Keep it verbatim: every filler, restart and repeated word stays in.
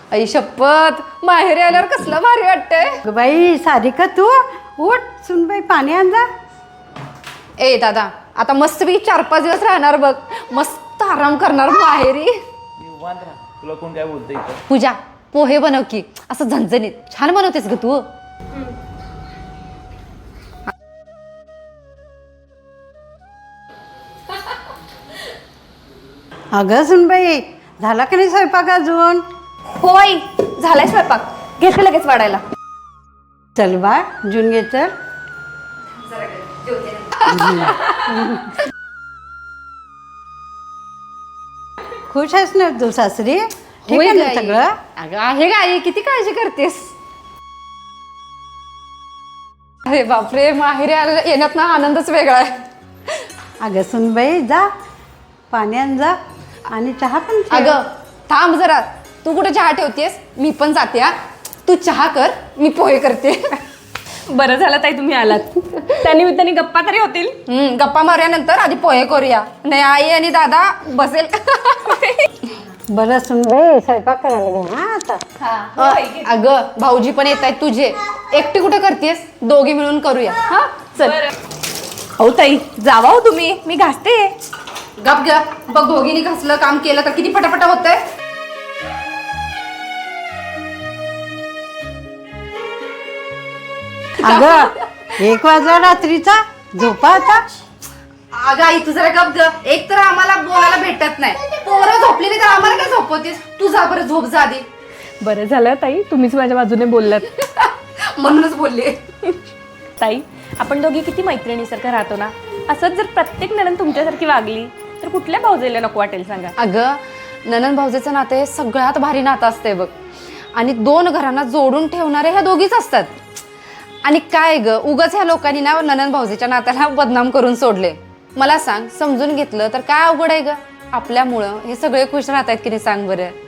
आई शपथ, माहेरी आल्यावर कसलं भारी वाटतंय. बाई सारिका तू उठ सुनबाई पाणी आण जा. ए दादा, आता मस्तपैकी चार पाच दिवस राहणार बघ, मस्त आराम करणार माहेरी. निवांत राहा, तुला कोण काय बोलतं इथं. पूजा पोहे बनव की, असं झणझणीत छान बनवतेस ग तू. अगं सुनबाई झाला की नाही स्वयंपाक अजून? होय, झालाय स्वयंपाक, घेते लगेच वाढायला. चल बा जून घे चल. खुश आहेस ना तू सासरी? ठीक आहे ना सगळं? अगं आहे गाई, किती काळजी करतेस. अरे बापरे, माहेरी आलेला येण्यात ना आनंदच वेगळा आहे. अगं सुनबाई जा पाणी आण जा आणि चहा पण ठेव. अगं थांब जरा, तू कुठे चहा ठेवतेस, मी पण जाते. हा तू चहा कर, मी पोहे करते. बरं झालं ताई तुम्ही आलात, त्यानिमित्ताने गप्पा तरी होतील. हम्म गप्पा मारूयानंतर आधी पोहे करूया, नाही आई आणि दादा बसेल. बरं सुनबाई स्वयंपाक करायला घे हा आता. अ, अगं भाऊजी पण येत आहेत तुझे, एकटी कुठे करतेस, दोघे मिळून करूया. हा चल. हो ताई जावा हो तुम्ही, मी घासते. गप गप बघ, दोघींनी घासलं काम केलं तर किती पटापट होतंय. अगं एक वाजला रात्रीचा, झोपा आता. अगं आई तू जरा गप ग, एक तर आम्हाला बोलायला भेटत नाही, पोरं झोपली नाही तर आम्हाला काय झोपवतेस. तू जा बरं, झोप जा आधी. बरं झालं ताई तुम्हीच माझ्या बाजूने बोललात. म्हणूनच बोलले. ताई आपण दोघी किती मैत्रिणीसारखं राहतो ना, असंच जर प्रत्येक नणंद तुमच्यासारखी वागली तर कुठल्या भाऊजेला नको वाटेल सांगा. अगं ननंद भाऊजेचं नातं हे सगळ्यात भारी नातं असतंय बघ, आणि दोन घरांना जोडून ठेवणारे ह्या दोघीच असतात. आणि काय ग, उगाच ह्या लोकांनी ना ननंद भाऊजेच्या नात्याला बदनाम करून सोडले. मला सांग, समजून घेतलं तर काय अवघड आहे ग. आपल्यामुळं हे सगळे खुश राहत आहेत की नाही सांग बरं.